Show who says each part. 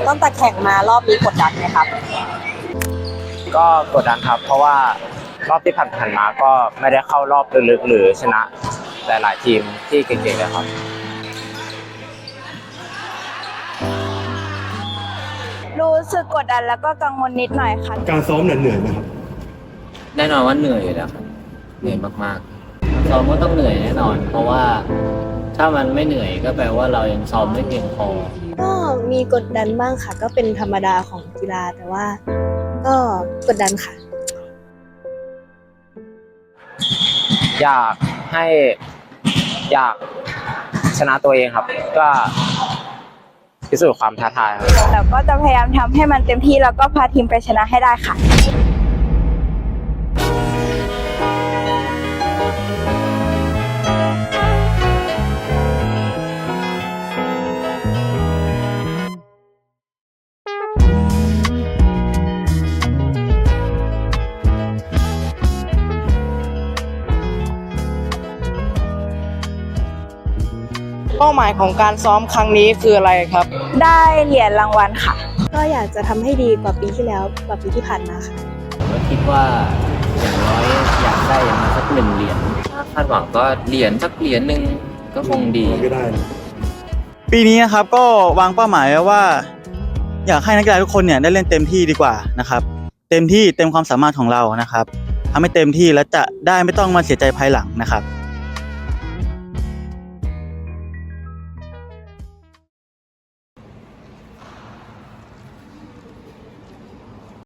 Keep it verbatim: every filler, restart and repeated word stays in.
Speaker 1: ตั้งแต่แข่งมารอบนี้กดดันไหมครับ
Speaker 2: ก็กดดันครับเพราะว่ารอบที่ผ่านๆมาก็ไม่ได้เข้ารอบลึกๆหรือชนะหลายๆทีมที่เก่งๆเลยครับ
Speaker 3: รู้สึกกดดันแล้วก็กังวลนิดหน่อยค่ะ
Speaker 4: การซ้อมเหนื่อยไหมครับ
Speaker 5: แน่นอนว่าเหนื่อยอยู่แล้วครับเหนื่อยมากๆซ้อมก็ต้องเหนื่อยแน่นอน เพราะว่าถ้ามันไม่เหนื่อยก็แปลว่าเรายังซ้อมไม่เพียงพอ
Speaker 1: ก็มีกดดันบ้างค่ะก็เป็นธรรมดาของกีฬาแต่ว่าก็กดดันค่ะ
Speaker 2: อยากให้อยากชนะตัวเองครับก็พิสูจน์ความท้าทายครับ
Speaker 3: แล้วก็จะพยายามทำให้มันเต็มที่แล้วก็พาทีมไปชนะให้ได้ค่ะ
Speaker 6: เป้าหมายของการซ้อมครั้งนี้คืออะไรครับ
Speaker 3: ได้เหรียญรางวัลค่ะ
Speaker 1: ก็อยากจะทำให้ดีกว่าปีที่แล้วกว่าปีที่ผ่านมาค่ะ
Speaker 5: ผมก็คิดว่าอย่างน้อยอยากได้อย่างสักหนึ่งเหรียญถ้าคาดหวังก็เหรียญสักเหรียญหนึ่งก็คงดี
Speaker 4: ก็ได้
Speaker 7: ปีนี้นะครับก็วางเป้าหมายไว้ว่าอยากให้นักกีฬาทุกคนเนี่ยได้เล่นเต็มที่ดีกว่านะครับเต็มที่เต็มความสามารถของเรานะครับทำให้เต็มที่แล้วจะได้ไม่ต้องมาเสียใจภายหลังนะครับ